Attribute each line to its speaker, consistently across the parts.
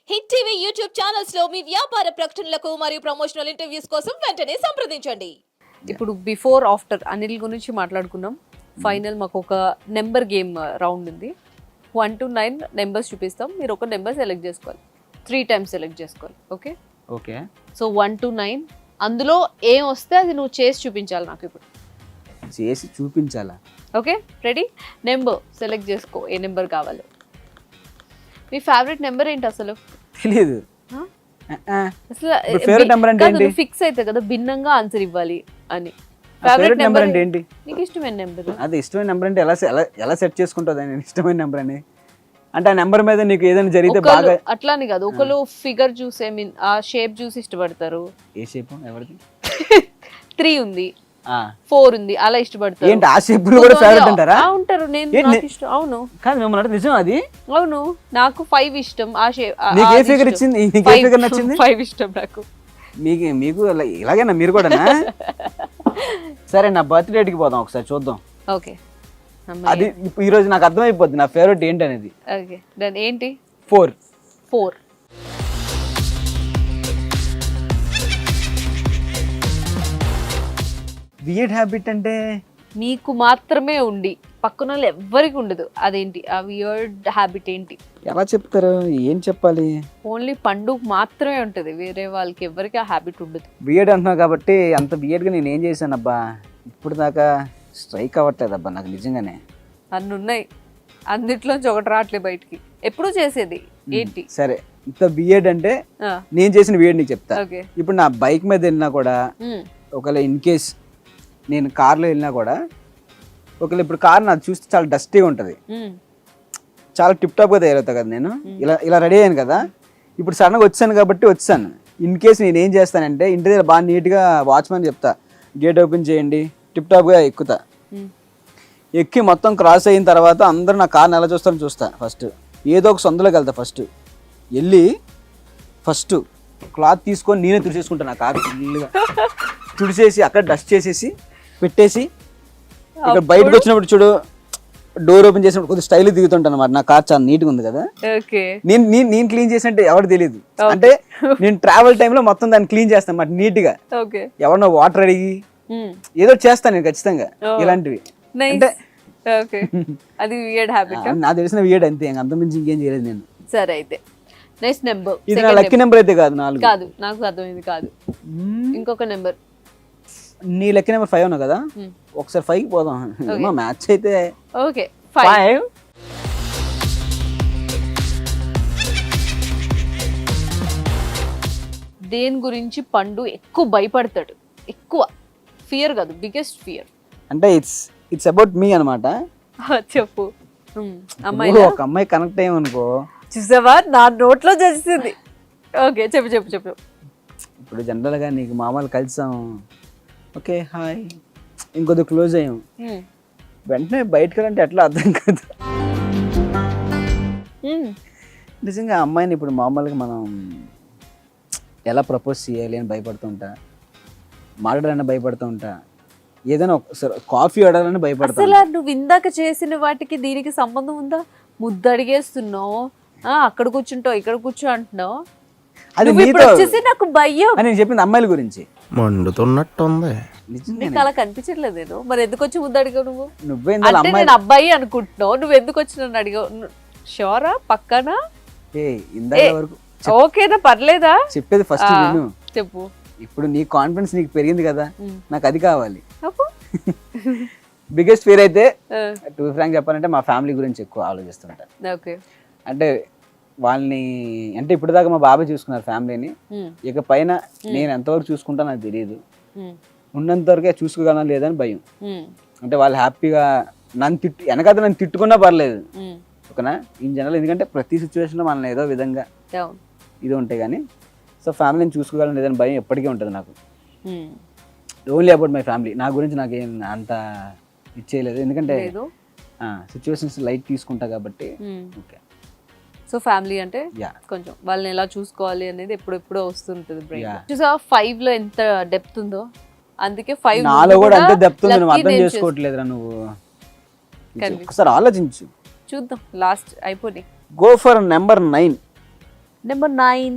Speaker 1: Hit TV YouTube channels లో మీ వ్యాపార ప్రకటనలకు మరియు ప్రమోషనల్ ఇంటర్వ్యూస్ కోసం వెంటనే సంప్రదించండి.
Speaker 2: ఇప్పుడు బిఫోర్ ఆఫ్టర్ అనిల్ గురించి మాట్లాడుకున్నాం. ఫైనల్ మాకు ఒక నెంబర్ గేమ్ రౌండ్ ఉంది. 1 to 9 నెంబర్స్ చూపిస్తాం. మీరు ఒక నెంబర్ సెలెక్ట్ చేసుకోవాలి. 3 టైమ్స్ సెలెక్ట్ చేసుకోవాలి. Okay
Speaker 3: okay.
Speaker 2: సో 1 to 9 అందులో ఏం వస్తే అది నువ్వు చేసి చూపించాలి నాకు ఇప్పుడు.
Speaker 3: చేసి చూపించాలా?
Speaker 2: Okay ready? నెంబర్ సెలెక్ట్ చేసుకో, ఏ నెంబర్ కావాలో. మీ ఫేవరెట్ నెంబర్ ఏంటి అసలు?
Speaker 3: తెలియదు.
Speaker 2: అసలు
Speaker 3: ఫేవరెట్ నెంబర్ అంటే ఏంటి?
Speaker 2: ఫిక్స్ అయితే కదా భిన్నంగా ఆన్సర్ ఇవ్వాలి అని.
Speaker 3: ఫేవరెట్ నెంబర్ అంటే ఏంటి?
Speaker 2: నీకు ఇష్టమైన నెంబర్.
Speaker 3: అది ఇష్టమైన నెంబర్ అంటే ఎలా సెట్ చేసుకుంటుంది? నేను ఇష్టమైన నెంబర్ అని అంటే ఆ నెంబర్ మీద నీకు ఏదైనా జరిగితే బాగా
Speaker 2: అట్లానే కాదు, ఒకళ్ళు ఫిగర్ చూసి ఐ మీన్ ఆ షేప్ చూసి ఇష్టపడతారు.
Speaker 3: ఏ షేప్? ఎవరిది?
Speaker 2: 3 ఉంది, 4 ఉంది, అలా ఇష్టపడతారు.
Speaker 3: ఏంటి ఆ షేప్ కూడా ఫేవరెట్ అంటారా?
Speaker 2: ఉంటారు. నేను నాకు ఇష్టం. అవును
Speaker 3: కాదు మిమ్మల్ని అంటే నిజం అది?
Speaker 2: అవును, నాకు 5 ఇష్టం. ఆ షేప్
Speaker 3: నీకు ఏ ఫిగర్ ఇచ్చింది? నీకు ఏ ఫిగర్ నచ్చింది?
Speaker 2: 5 ఇష్టం నాకు.
Speaker 3: మీకు ఇలాగేనా మీరు కూడా? సరే నా బర్త్ డేట్కి పోదాం ఒకసారి చూద్దాం.
Speaker 2: ఓకే
Speaker 3: అది ఈ రోజు నాకు అర్థమైపోద్ది నా ఫేవరెట్ ఏంటి అనేది.
Speaker 2: ఓకే దెన్ ఏంటి?
Speaker 3: 4. వియర్డ్ హ్యాబిట్ అంటే
Speaker 2: మీకు మాత్రమే ఉండి పక్కన వాళ్ళు ఎవ్వరికి ఉండదు. అదేంటి ఆ వియర్డ్ హ్యాబిట్ ఏంటి?
Speaker 3: ఎలా చెప్తారు? ఏం చెప్పాలి?
Speaker 2: ఓన్లీ పండుగ మాత్రమే ఉంటుంది, వేరే వాళ్ళకి ఎవరికి ఆ హ్యాబిట్ ఉండదు.
Speaker 3: వియర్డ్ అంటున్నావు కాబట్టి అంత వియర్డ్గా నేను ఏం చేశాను అబ్బా? ఇప్పుడు దాకా స్ట్రైక్ అవ్వట్లేదు అబ్బా నాకు నిజంగానే.
Speaker 2: అన్ని ఉన్నాయి, అన్నిట్లోంచి ఒకటి రావట్లేదు బయటికి. ఎప్పుడు చేసేది ఏంటి?
Speaker 3: సరే ఇంత వియర్డ్ అంటే నేను చేసిన వియర్డ్ నీకు చెప్తా.
Speaker 2: ఓకే
Speaker 3: ఇప్పుడు నా బైక్ మీద వెళ్ళినా కూడా ఒకవేళ ఇన్ కేస్ నేను కార్లో వెళ్ళినా కూడా ఒకవేళ ఇప్పుడు కార్ నాకు చూస్తే చాలా డస్టీగా ఉంటుంది, చాలా టిప్ టాప్గా తయారవుతా కదా నేను. ఇలా రెడీ అయ్యాను కదా, ఇప్పుడు సడన్గా వచ్చాను కాబట్టి వచ్చాను. ఇన్ కేస్ నేను ఏం చేస్తానంటే ఇంటి దగ్గర బాగా నీట్గా వాచ్మెన్ చెప్తా గేట్ ఓపెన్ చేయండి, టిప్ టాప్గా ఎక్కుతా. ఎక్కి మొత్తం క్రాస్ అయిన తర్వాత అందరూ నా కార్ని ఎలా చూస్తారని చూస్తా. ఫస్ట్ ఏదో ఒక సొంతలోకి వెళ్తా. వెళ్ళి ఫస్ట్ క్లాత్ తీసుకొని నేనే తుడిచేసుకుంటాను. నా కార్ ఫుల్గా తుడిచేసి అక్కడ డస్ట్ చేసేసి పెట్టేసి ఇక్కడ బయటకు వచ్చినప్పుడు చూడు డోర్ ఓపెన్ చేసినప్పుడు కొద్దిగా స్టైల్ దిగుతుంటాను అన్నమాట. నా కార్ చాలా నీట్గా ఉంది కదా, నేను క్లీన్ చేసినట్టే ఎవరు తెలియదు. అంటే నేను ట్రావెల్ టైంలో మొత్తం దాన్ని క్లీన్ చేస్తాను అన్నమాట నీట్గా. ఎవరినో వాటర్ అడిగి ఏదో చేస్తాను నేను ఖచ్చితంగా ఇలాంటివి. అంటే
Speaker 2: అది వియర్డ్ హ్యాబిట్.
Speaker 3: నాకు తెలిసిన వియర్డ్ అంతే, అంత మించి ఇంకేం చేయలేదు నేను.
Speaker 2: సరే అయితే నెక్స్ట్ నెంబర్.
Speaker 3: ఇది నా లక్కీ నెంబర్ అయితే కాదు. 4
Speaker 2: కాదు, నాకు అర్థమైంది కాదు. ఇంకొక నెంబర్.
Speaker 3: నీ లక్కీ నెంబర్ 5 ఉన్నావు కదా, ఒకసారి 5కి పోదాం. మ్యాచ్ అయితే
Speaker 2: ఓకే 5. దేని గురించి పండు ఎక్కువ భయపడతాడు? ఎక్కువ ఫియర్ కాదు, బిగ్గెస్ట్ ఫియర్.
Speaker 3: అంటే ఇట్స్ అబౌట్ మీ అనమాట.
Speaker 2: చెప్పు. అమ్మాయి
Speaker 3: ఒక అమ్మాయి కనెక్ట్ అయ్యామనుకో,
Speaker 2: చూసావా నా నోట్లో చేసింది. ఓకే చెప్పు.
Speaker 3: ఇప్పుడు జనరల్గా నీకు మామూలు కలిసాం, ఓకే హాయ్, ఇంకొద్ది క్లోజ్ అయ్యాం, వెంటనే బయటకు వెళ్ళంటే ఎట్లా అర్థం కాదు. నిజంగా అమ్మాయిని ఇప్పుడు మామూలుగా మనం ఎలా ప్రపోజ్ చేయాలి అని భయపడుతూ ఉంటా, మాట్లాడాలని భయపడుతూ ఉంటా, ఏదైనా ఒకసారి కాఫీ ఆడాలని భయపడతా.
Speaker 2: అసలు నువ్వు ఇందాక చేసిన వాటికి దీనికి సంబంధం ఉందా? ముద్దు అడిగేస్తున్నావు, అక్కడ కూర్చుంటావు, ఇక్కడ కూర్చో అంటున్నావు.
Speaker 3: అది
Speaker 2: వచ్చేసి నాకు భయం
Speaker 3: అని నేను చెప్పింది అమ్మాయిల గురించి.
Speaker 4: మండుతున్నట్టుంది.
Speaker 2: నీకు అలా కనిపించట్లేదు. నేను మరి ఎందుకు వచ్చి ముద్దు అడిగావు?
Speaker 3: నువ్వేంది
Speaker 2: అంటే నేను అబ్బాయి అనుకుంటున్నావు, నువ్వు ఎందుకు వచ్చి నన్ను అడిగావు? షోరా పక్కనా? ఓకేనా, పర్లేదా?
Speaker 3: చెప్పేది ఫస్ట్ విను.
Speaker 2: చెప్పు.
Speaker 3: ఇప్పుడు నీ కాన్ఫిడెన్స్ నీకు పెరిగింది కదా, నాకు అది కావాలి. బిగ్గెస్ట్ ఫియర్ అయితే టు ఫ్రాంక్ చెప్పాలంటే మా ఫ్యామిలీ గురించి ఎక్కువ ఆలోచిస్తుంటా. అంటే వాళ్ళని అంటే ఇప్పుడు దాకా మా బాబాయ్ చూసుకున్నారు ఫ్యామిలీని, ఇక పైన నేను ఎంతవరకు చూసుకుంటా నాకు తెలియదు. ఉన్నంత వరకే చూసుకోగలనా లేదని భయం. అంటే వాళ్ళు హ్యాపీగా నన్ను వెనకాల నన్ను తిట్టుకున్నా పర్లేదు, ఓకేనా, ఇన్ జనరల్. ఎందుకంటే ప్రతి సిచ్యువేషన్లో మనల్ని ఏదో విధంగా ఇది ఉంటాయి కానీ, సో ఫ్యామిలీని చూసుకోగలను లేదని భయం ఎప్పటికీ ఉంటుంది నాకు. Only about my family. నా గురించి నాకేం అంత ఇచ్చేయలేదు, ఎందుకంటే సిచ్యువేషన్స్ లైట్ తీసుకుంటా కాబట్టి. ఓకే,
Speaker 2: సో ఫ్యామిలీ అంటే కొంచెం వాళ్ళని ఎలా చూసుకోవాలి అనేది ఎప్పుడెప్పుడో వస్తుంటుంది బ్రెయిన్. చూసా 5 లో ఎంత డెప్త్ ఉందో, అందుకే 5
Speaker 3: నాలో కూడా అంతే డెప్త్ ఉంది. నువ్వు అర్థం చేసుకోవట్లేదురా నువ్వు. ఒకసారి ఆలోచించు,
Speaker 2: చూద్దాం. లాస్ట్ అయిపోయి
Speaker 3: go for number 9.
Speaker 2: Number 9.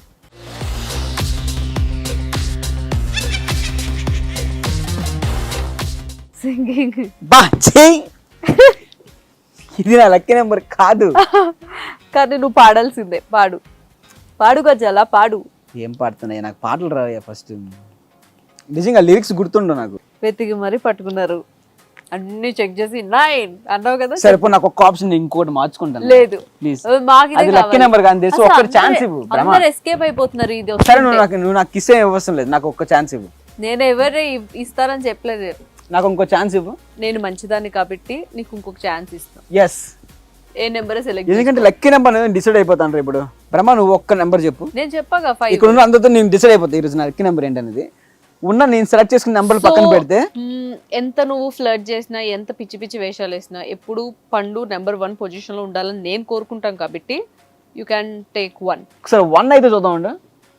Speaker 2: Singing.
Speaker 3: బా చెయ్ ఇది నా లక్కీ నెంబర్ కాదు.
Speaker 2: కానీ నువ్వు పాడాల్సిందే. పాడు గజాల పాడు.
Speaker 3: ఏం పాడుతున్నాయి నాకు పాటలు రావయ్యా ఫస్ట్. నిజంగా లిరిక్స్ గుర్తుండవు నాకు.
Speaker 2: వెతికి మరీ పట్టుకున్నారు, అన్ని చెక్ చేసి 9 అన్నావు కదా.
Speaker 3: సరిపో నాకు ఒక్క ఆప్షన్ ఇంకోటి మార్చుకుంటాను.
Speaker 2: లేదు
Speaker 3: ప్లీజ్.
Speaker 2: మాకు
Speaker 3: అది లక్కీ నెంబర్ కానీ తెలుసు. ఒక్క ఛాన్స్ ఇవ్వు.
Speaker 2: అందరూ ఎస్కేప్ అయిపోతున్నారు. ఇది
Speaker 3: సరే నువ్వు నాకు కిస్ ఏం ఇవ్వసం లేదు. నాకు ఒక్క ఛాన్స్ ఇవ్వు.
Speaker 2: నేను ఎవరు ఇస్తారని చెప్పలేదు.
Speaker 3: నాకు ఇంకో ఛాన్స్ ఇవ్వు.
Speaker 2: నేను మంచిదాన్ని కాబట్టి నీకు ఇంకొక ఛాన్స్ ఇస్తాను.
Speaker 3: ఎస్.
Speaker 2: ఏ నెంబర్ సెలెక్ట్?
Speaker 3: ఎందుకంటే లక్కీ నెంబర్ డిసైడ్ అయిపోతాను ఇప్పుడు. బ్రహ్మ నువ్వు ఒక్క నెంబర్ చెప్పు.
Speaker 2: నేను చెప్పాగా 5.
Speaker 3: ఇక్కడ ఉన్న అందరితో నేను డిసైడ్ అయిపోతా ఈరోజు నా లక్కీ నెంబర్ ఏంటనేది. ఉన్న నేను సెలెక్ట్ చేసుకున్న నెంబర్ పక్కన పెడితే
Speaker 2: ఎంత నువ్వు ఫ్లర్ట్ చేసినా, ఎంత పిచ్చి పిచ్చి వేషాలు వేసినా, ఎప్పుడు పండు నెంబర్ 1 పొజిషన్ లో ఉండాలని నేను కోరుకుంటాను కాబట్టి యూ క్యాన్ టేక్ 1.
Speaker 3: ఒకసారి 1 అయితే చూద్దాం అండి.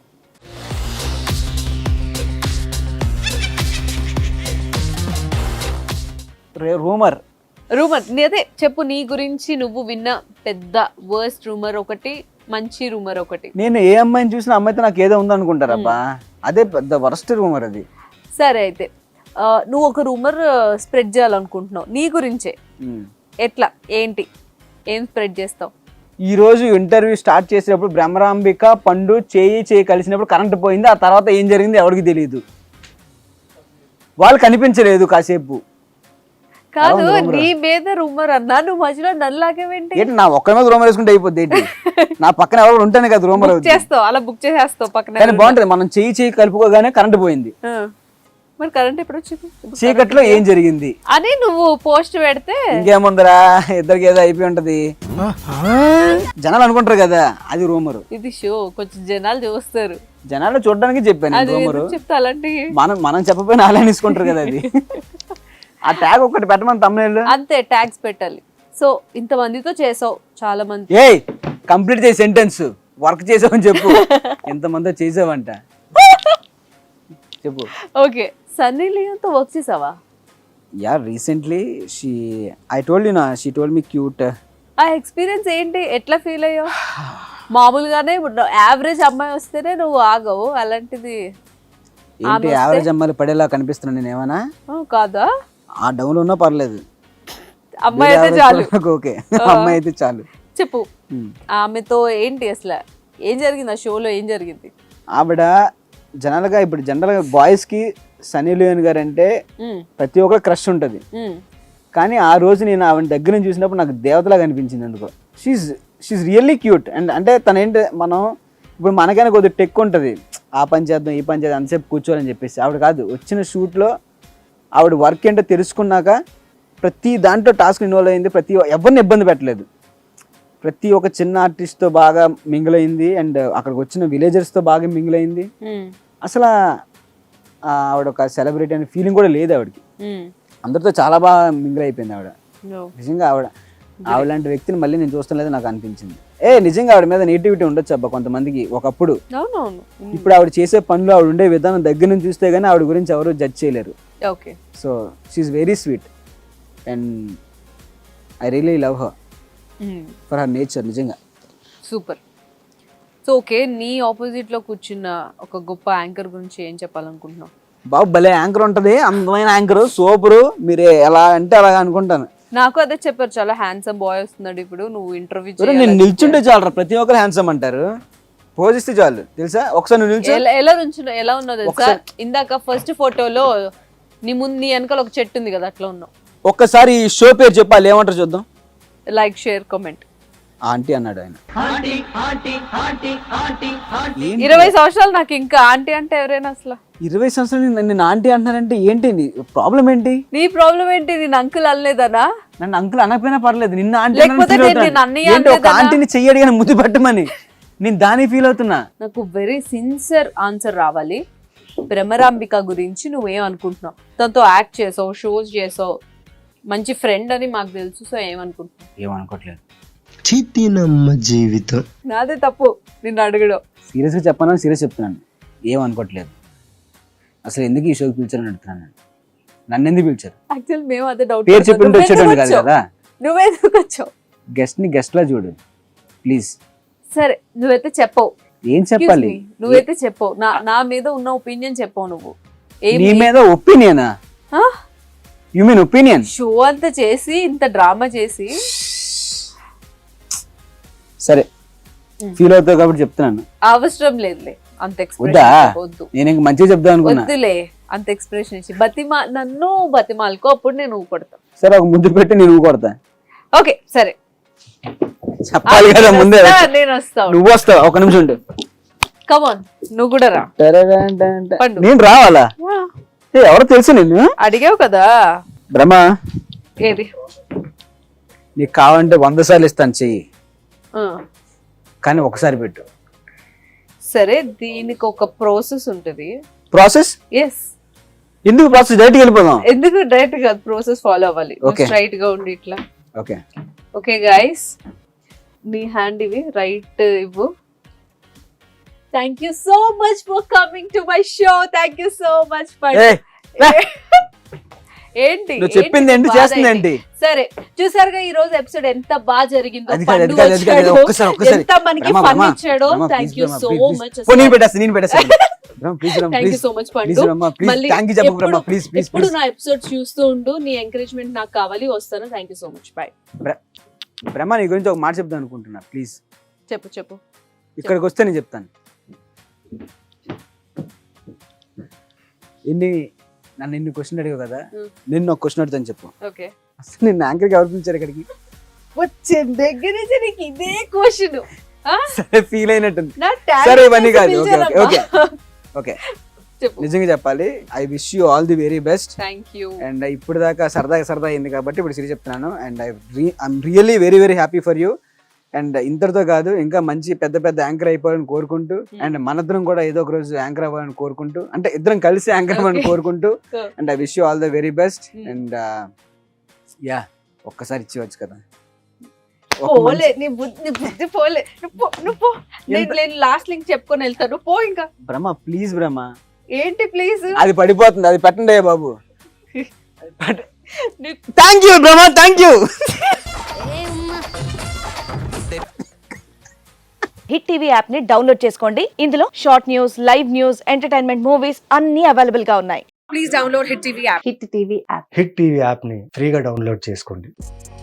Speaker 3: రూమర్
Speaker 2: అదే చెప్పు. నీ గురించి నువ్వు విన్న పెద్ద వర్స్ట్ రూమర్ ఒకటి, మంచి రూమర్ ఒకటి.
Speaker 3: నేను ఏ అమ్మాయిని చూసినా అమ్మాయితో నాకు ఏదో ఉందనుకుంటారబ్బా. అదే పెద్ద వరస్ట్ రూమర్ అది.
Speaker 2: సరే అయితే నువ్వు ఒక రూమర్ స్ప్రెడ్ చేయాలనుకుంటున్నావు నీ గురించే. ఎట్లా, ఏంటి, ఏం స్ప్రెడ్ చేస్తావు?
Speaker 3: ఈ రోజు ఇంటర్వ్యూ స్టార్ట్ చేసేటప్పుడు బ్రహ్మరాంబిక పండు చేయి కలిసినప్పుడు కరెంట్ పోయింది. ఆ తర్వాత ఏం జరిగింది ఎవరికి తెలియదు. వాళ్ళు కనిపించలేదు కాసేపు.
Speaker 2: కాదు, నీ మీద రూమర్ అన్నా, నువ్వు మధ్యలో నల్లాగేంటి?
Speaker 3: ఏంటి నా ఒక్క మీద రూమర్ వేసుకుంటే అయిపోద్ది ఏంటి? నా పక్కన ఎవరు ఉంటేనే కదా రూమర్
Speaker 2: చేస్తావు. అలా బుక్ చేసేస్తావు పక్కన.
Speaker 3: కానీ బాగుంటది. మనం చేయి కలుపుకోగానే కరెంట్ పోయింది.
Speaker 2: మరి కరెంట్ ఎప్పుడు వచ్చింది?
Speaker 3: చీకట్లో ఏం జరిగింది
Speaker 2: అని నువ్వు పోస్ట్ పెడితే
Speaker 3: ఇంకేముందరా, ఇద్దరికి ఏదో అయిపోయి ఉంటది జనాలు అనుకుంటారు కదా, అది రూమరు.
Speaker 2: ఇది షో, కొంచెం జనాలు చూస్తారు.
Speaker 3: జనాలు చూడడానికి చెప్పాను రూమరు.
Speaker 2: చెప్తా అలాంటి
Speaker 3: మనం చెప్పపోయినా అలా తీసుకుంటారు కదా అది. ఆ ట్యాగ్ ఒకటి పెట్టమని తమ్ముళ్ళు
Speaker 2: అంతే, ట్యాగ్స్ పెట్టాలి. సో ఇంతమందితో చేసావు, చాలా మంది.
Speaker 3: ఏయ్ కంప్లీట్ చేయి సెంటెన్స్. వర్క్ చేసావని చెప్పు. ఎంతమందితో చేసావంట చెప్పు.
Speaker 2: ఓకే, సన్నీ లియోన్తో వర్క్ చేసావా?
Speaker 3: Yeah recently I told you నా షీ టోల్డ్ మీ క్యూట్.
Speaker 2: ఆ ఎక్స్పీరియన్స్ ఏంటి, ఎట్లా ఫీల్ అయ్యావు? మామూలుగానే యావరేజ్ అమ్మాయి వస్తేనే నువ్వు ఆగవు, అలాంటిది
Speaker 3: ఏంటి యావరేజ్ అమ్మాయిలు పడేలా కనిపిస్తున్నాను నేను ఏమన్నా?
Speaker 2: కాదా?
Speaker 3: ఆ డౌన్ ఉన్నా పర్లేదు,
Speaker 2: అమ్మాయి అయితే చాలు.
Speaker 3: ఓకే అమ్మాయి అయితే చాలు.
Speaker 2: చెప్పు, ఆమెతో ఏంటి అసలు, ఏం జరిగింది ఆ షోలో, ఏం జరిగింది?
Speaker 3: ఆవిడ జనరల్గా ఇప్పుడు జనరల్గా బాయ్స్ కి సన్నీ లియోన్ గారు అంటే ప్రతి ఒక్కరు క్రష్ ఉంటుంది. కానీ ఆ రోజు నేను ఆవిడ దగ్గర నుంచి చూసినప్పుడు నాకు దేవతలాగా అనిపించింది ఎందుకో. She really cute. అండ్ అంటే తన ఏంటి, మనం ఇప్పుడు మనకైనా కొద్దిగా టెక్ ఉంటుంది, ఆ పని చేద్దాం ఈ పని చేద్దాం అంతసేపు కూర్చోవాలని చెప్పేసి. ఆవిడ కాదు, వచ్చిన షూట్లో ఆవిడ వర్క్ ఏంటో తెలుసుకున్నాక ప్రతి దాంట్లో టాస్క్ ఇన్వాల్వ్ అయింది. ఎవరిని ఇబ్బంది పెట్టలేదు. ప్రతి ఒక్క చిన్న ఆర్టిస్ట్తో బాగా మింగిల్ అయింది. అండ్ అక్కడికి వచ్చిన విలేజర్స్తో బాగా మింగిల్ అయింది. అసలు ఆవిడ ఒక సెలబ్రిటీ అనే ఫీలింగ్ కూడా లేదు ఆవిడకి. అందరితో చాలా బాగా మింగిల్ అయిపోయింది ఆవిడ. నిజంగా ఆవిడ లాంటి వ్యక్తిని మళ్ళీ నేను చూస్తాను లేదు నాకు అనిపించింది. నిజంగా ఆవిడ మీద నెగిటివిటీ ఉండొచ్చు అబ్బా కొంతమందికి ఒకప్పుడు. ఇప్పుడు ఆవిడ చేసే పనులు, ఆవిడ ఉండే విధానం దగ్గర నుంచి చూస్తే గానీ ఆవిడ గురించి ఎవరు జడ్జ్ చేయలేరు. So she very sweet and I really love her for her nature. నిజంగా
Speaker 2: సూపర్. సో ఓకే, నీ ఆపోజిట్ లో కూర్చున్న ఒక గొప్ప యాంకర్ గురించి ఏం చెప్పాలనుకుంటున్నావు?
Speaker 3: బాబు భలే యాంకర్ ఉంటది, అందమైన యాంకర్, సూపరు. మీరు ఎలా అంటే అలాగా అనుకుంటాను.
Speaker 2: నాకు అదే చెప్పారు, చాలా హ్యాండ్సమ్ బాయ్ వస్తున్నాడు ఇప్పుడు, నువ్వు ఇంటర్వ్యూ
Speaker 3: నేను నిల్చుంటే చాలు, ప్రతి ఒక్కరు హ్యాండ్సమ్ అంటారు. పోజిస్తే చాలు తెలుసా. ఒకసారి నువ్వు నిల్చో.
Speaker 2: ఎలా ఉన్నావు తెలుసా? ఇందాక ఫస్ట్ ఫోటోలో నీ ముందు నీ వెనకాల ఒక చెట్టు ఉంది కదా, అట్లా ఉన్నావు.
Speaker 3: ఒక్కసారి ఈ షో పేరు చెప్పాలి, ఏమంటారు చూద్దాం.
Speaker 2: Like, share, comment.
Speaker 3: ఆంటీ అన్నాడు ఆయన.
Speaker 2: 20 సంవత్సరాలు నాకు ఇంకా ఆంటీ అంటే ఎవరైనా అసలు
Speaker 3: 20 సంవత్సరాలు నన్ను ఆంటీ అంటున్నారంటే ఏంటి ప్రాబ్లం ఏంటి?
Speaker 2: నీ ప్రాబ్లం ఏంటి? నేను అంకుల్ అనలేదనా?
Speaker 3: నన్ను అంకుల్ అనకపోయినా పర్లేదు, నిన్న ఆంటీ ఆంటీని చెయ్యడి కానీ ముద్దు పెట్టమని నేను దాన్ని ఫీల్ అవుతున్నా.
Speaker 2: నాకు వెరీ సిన్సియర్ ఆన్సర్ రావాలి. భ్రమరాంబిక గురించి నువ్వేం అనుకుంటున్నావు? తనతో యాక్ట్ చేసావు, షోస్ చేసావు, మంచి ఫ్రెండ్ అని మాకు తెలుసు. సో ఏమనుకుంటున్నావు?
Speaker 3: ఏమనుకోవట్లేదు.
Speaker 4: జీవితం
Speaker 2: నాదే తప్పు నిన్ను అడగడం.
Speaker 3: సీరియస్గా చెప్పాను, సీరియస్ చెప్తున్నాను, ఏమనుకోవట్లేదు. అసలు ఎందుకు ఈ షోకి పిలిచారని అడుగుతున్నాను. నన్ను ఎందుకు పిలిచారు?
Speaker 2: యాక్చువల్ మేము అదే డౌట్.
Speaker 3: పేరు చెప్పింటే వచ్చేటోళ్ళు కాదు కదా.
Speaker 2: నువ్వెందుకు వచ్చావు?
Speaker 3: గెస్ట్ ని గెస్ట్ లా చూడు ప్లీజ్.
Speaker 2: సరే నువ్వైతే చెప్పవు.
Speaker 3: ఏం
Speaker 2: Excuse
Speaker 3: చెప్పాలి?
Speaker 2: me, నువ్వైతే చెప్పవు. నా మీద ఉన్న ఒపీనియన్ చెప్పవు నువ్వు.
Speaker 3: నీ మీద ఒపీనియనా? You mean opinion?
Speaker 2: షో అంతా చేసి ఇంత డ్రామా చేసి
Speaker 3: సరే ఫీల్ అవుతావు కాబట్టి చెప్తున్నాను.
Speaker 2: అవసరం లేదులే అంత
Speaker 3: వద్దా?
Speaker 2: ఎక్స్ప్రెషన్ వద్దు.
Speaker 3: నేను ఇంక మంచిగా చెప్దాం అనుకున్నా.
Speaker 2: వద్దులే అంత ఎక్స్ప్రెషన్ ఇచ్చి నన్ను బతిమాలకో, అప్పుడు నేను ఊకొడతా.
Speaker 3: సరే ఒక ముద్దు పెట్టి నేను కొడతా.
Speaker 2: ఓకే సరే
Speaker 3: చెప్పాలి కదా ముందే.
Speaker 2: నేను వస్తాను.
Speaker 3: నువ్వు వస్తావు, ఒక నిమిషం ఉండు.
Speaker 2: కమాన్ నువ్వు కూడా రా. పండు.
Speaker 3: నేను రావాలా? ఎవరో తెలుసు నేను
Speaker 2: అడిగావు కదా.
Speaker 3: బ్రహ్మ
Speaker 2: ఏది
Speaker 3: నీకు కావాలంటే 100 సార్లు ఇస్తాను చెయ్యి,
Speaker 2: ఆ,
Speaker 3: కానీ ఒకసారి పెట్టు.
Speaker 2: సరే దీనికి ఒక ప్రాసెస్ ఉంటది.
Speaker 3: ప్రాసెస్?
Speaker 2: ఎస్.
Speaker 3: ఎందుకు ప్రాసెస్? డైరెక్ట్ వెళ్ళిపోదాం.
Speaker 2: ఎందుకు డైరెక్ట్ గా ప్రాసెస్ ఫాలో అవ్వాలి?
Speaker 3: Okay.
Speaker 2: స్ట్రైట్ గా ఉండి ఇట్లా.
Speaker 3: ఓకే
Speaker 2: ఓకే గైస్, నీ హ్యాండ్ ఇవి రైట్ ఇవ్వు. Thank you so much for coming to my show. Thank you so much for
Speaker 3: ఏయ్,
Speaker 2: ఏంటి
Speaker 3: నువ్వు చెప్పింది ఏంటి,
Speaker 2: బాధ
Speaker 3: చేస్తుంది ఏంటి?
Speaker 2: సరే చూసారుగా ఈ రోజు ఎపిసోడ్ ఎంత బాగా జరిగిందో.
Speaker 3: అది కాదు,
Speaker 2: పండు
Speaker 3: అది కాదు, అది కాదు,
Speaker 2: వచ్చాడు,
Speaker 3: ఒక్కసారి.
Speaker 2: ఎంత మనకి
Speaker 3: బ్రహ్మ,
Speaker 2: ఫన్
Speaker 3: బ్రహ్మ,
Speaker 2: ఇచ్చాడో.
Speaker 3: Brahma,
Speaker 2: thank
Speaker 3: please,
Speaker 2: you
Speaker 3: Brahma,
Speaker 2: so
Speaker 3: please,
Speaker 2: much.
Speaker 3: please. నేను పెట్టేస్తాను. Brahma, please, Brahma,
Speaker 2: thank you
Speaker 3: please.
Speaker 2: So much
Speaker 3: Please,
Speaker 2: పండు.
Speaker 3: బ్రహ్మ, please.
Speaker 2: మళ్ళీ
Speaker 3: Thank you చెప్పు బ్రహ్మ, please, please,
Speaker 2: ఎప్పుడు
Speaker 3: please.
Speaker 2: నా ఎపిసోడ్ చూస్తూ ఉండు. నీ ఎంకరేజ్మెంట్ నాకు కావాలి. వస్తాను. Thank you so much. Bye.
Speaker 3: Brahma నీ గురించి ఒక మాట చెప్దాం అనుకుంటున్నా, ప్లీజ్.
Speaker 2: చెప్పు చెప్పు.
Speaker 3: ఇక్కడికి వస్తే నేను చెప్తాను. నన్ను ఇన్ని క్వశ్చన్ అడిగావు కదా, నిన్ను ఒక క్వశ్చన్ అడుగుతాను చెప్పు.
Speaker 2: ఓకే.
Speaker 3: అసలు నిన్ను యాంకర్కి ఎవరు పిలిచారు ఇక్కడికి?
Speaker 2: వచ్చే దగ్గర నుంచి నీకు ఇదే క్వశ్చన్.
Speaker 3: సరే ఫీల్ అయినట్టుంది.
Speaker 2: నా
Speaker 3: సరే
Speaker 2: talent
Speaker 3: ఇవన్నీ కాదు. ఓకే
Speaker 2: పిలిచారమ్మా.
Speaker 3: ఓకే ఓకే
Speaker 2: చెప్పు.
Speaker 3: నిజంగా చెప్పాలి, I wish you all the very best.
Speaker 2: Thank you.
Speaker 3: And ఇప్పుడు దాకా సరదా అయింది కాబట్టి ఇప్పుడు సీరియస్ చెప్తున్నాను. And I'm really very very happy for you. And ఇంతటితో కాదు, ఇంకా మంచి పెద్ద పెద్ద యాంకర్ అయిపోవాలని కోరుకుంటూ, అండ్ మనిద్దరం కూడా ఏదో ఒక రోజు యాంకర్ అవ్వాలని కోరుకుంటూ, అంటే ఇద్దరం కలిసి యాంకర్ అవ్వాలని కోరుకుంటూ, and I wish you all the very best. And yeah ఒక్కసారి ఇచ్చేవచ్చు కదా.
Speaker 2: పోలే నీ బుద్ధి పోలే. నువ్వు పో. నేను లాస్ట్ లింక్ చెప్పుకొని వెళ్తాను. పో ఇంకా.
Speaker 3: బ్రహ్మ ప్లీజ్ బ్రహ్మ.
Speaker 2: ఏంటి ప్లీజ్?
Speaker 3: అది పడిపోతుంది, అది పెట్టండి అయ్యా బాబు. Thank you Brahma, thank you.
Speaker 5: Hit TV app ని డౌన్లోడ్ చేసుకోండి. ఇందులో short news, live news, entertainment movies అన్ని అవైలబుల్ గా ఉన్నాయి.
Speaker 2: Please download hit TV app.
Speaker 5: Hit TV app.
Speaker 6: Hit TV యాప్ని ఫ్రీగా డౌన్లోడ్ చేసుకోండి.